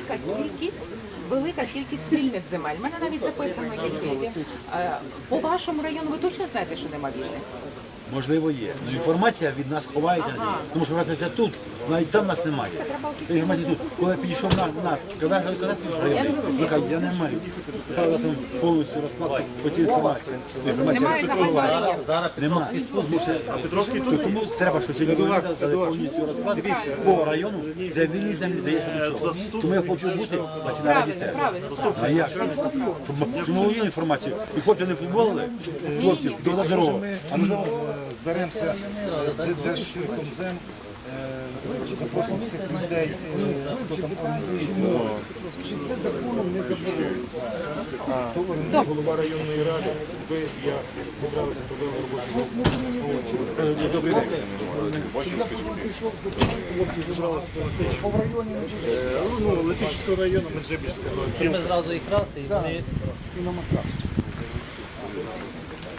велика кількість спільних земель. У мене навіть записано які. По вашому району ви точно знаєте, що нема вільних? Можливо, є. Ну, інформація від нас ховається, тому що інформація тут, навіть там нас немає. Інформація тут. Коли я підійшов на нас, коли я не маю. Правда, там повністю розклад по цій інформації. Немає загального. Немає. Тому треба, щоб сьогодні повністю розклад по району, де вільні землі дає нічого. Тому я хочу бути на цій нараді теж. А як? Щоб ми володіли інформацію. І хлопці не футболили, хлопців, до дорогу. Зберемося Держкомзем, запросимо всіх людей, хто там орієнтується. Чи це законом не заборонено? Хто орієнтує голова районної ради, ви, я зібралися себе в робочому. Добрий день. Я прийшов з документом, хлопці зібралися по районі Летичівського. Летичівського району, Меджибіжського. Ми зразу їх раз і вони... І на Макарську.